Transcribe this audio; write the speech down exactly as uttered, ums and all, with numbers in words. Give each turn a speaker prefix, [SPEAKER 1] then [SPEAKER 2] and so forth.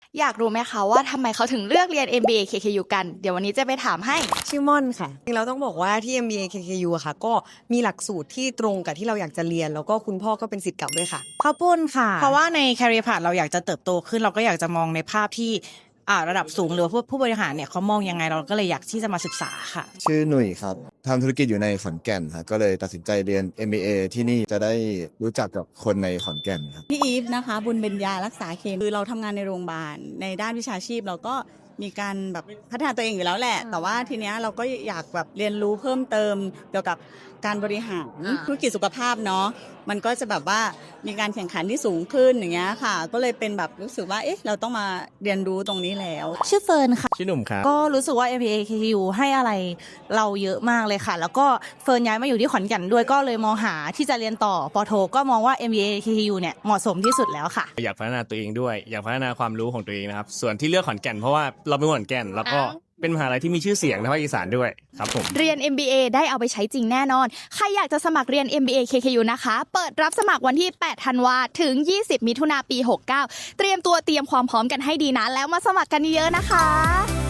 [SPEAKER 1] อยากรู้ไหมคะว่าทำไมเขาถึงเลือกเรียน เอ็ม บี เอ เค เค ยู กันเดี๋ยววันนี้จะไปถามให้
[SPEAKER 2] ชื่อม่อนค่ะจริงๆเราต้องบอกว่าที่ เอ็ม บี เอ เค เค ยู อะค่ะก็มีหลักสูตรที่ตรงกับที่เราอยากจะเรียนแล้วก็คุณพ่อก็เป็นศิษย์เก่าด้วยค่ะ
[SPEAKER 3] ข้าวปุ้นค่ะเพราะว่าใน career path เราอยากจะเติบโตขึ้นเราก็อยากจะมองในภาพที่อ่าระดับสูงหรือว่าผู้ผู้บริหารเนี่ยเขามองยังไงเราก็เลยอยากที่จะมาศึกษาค่ะ
[SPEAKER 4] ชื่อหนุ่ยครับทำธุรกิจอยู่ในขอนแก่นครับก็เลยตัดสินใจเรียน เอ็ม บี เอ ที่นี่จะได้รู้จักกับคนในขอนแก่นครับ
[SPEAKER 5] พี่อีฟนะคะบุญเบญญารักษาเคมีคือเราทำงานในโรงพยาบาลในด้านวิชาชีพเราก็มีการแบบพัฒนาตัวเองอยู่แล้วแหละ แต่ว่าทีเนี้ยเราก็อยากแบบเรียนรู้เพิ่มเติมเกี่ยวกับการบริหารธุรกิจสุขภาพเนาะมันก็จะแบบว่ามีการแข่งขันที่สูงขึ้นอย่างเงี้ยค่ะ ก็เลยเป็นแบบรู้สึกว่าเอ๊ะเราต้องมาเรียนรู้ตรงนี้แล้ว
[SPEAKER 3] ชื่อเฟิร์นค่ะ
[SPEAKER 6] ชื่อหนุ่มครับ
[SPEAKER 3] ก็รู้สึกว่า เอ็ม บี เอ เค เค ยู ให้อะไรเราเยอะมากเลยค่ะ แล้วก็เฟิร์นย้ายมาอยู่ที่ขอนแก่นด้วยก็เลยมองหาที่จะเรียนต่อปอโทก็มองว่า เอ็ม บี เอ เค เค ยู เนี่ยเหมาะสมที่สุดแล้วค่ะ
[SPEAKER 6] อยากพัฒนาตัวเองด้วยอยากพัฒนาความรู้ของตัวเองนะครับส่วนที่เลือกขอนแก่นเพราะว่าเราเป็นคนขอนแก่นแล้วก็เป็นมหาลัยที่มีชื่อเสียงในภาคอีสานด้วยครับผม
[SPEAKER 1] เรียน เอ็ม บี เอ ได้เอาไปใช้จริงแน่นอนใครอยากจะสมัครเรียน เอ็ม บี เอ เค เค ยู นะคะเปิดรับสมัครวันที่แปดธันวาถึงยี่สิบมิถุนาปีหกเก้าเตรียมตัวเตรียมความพร้อมกันให้ดีนะแล้วมาสมัครกันเยอะๆนะคะ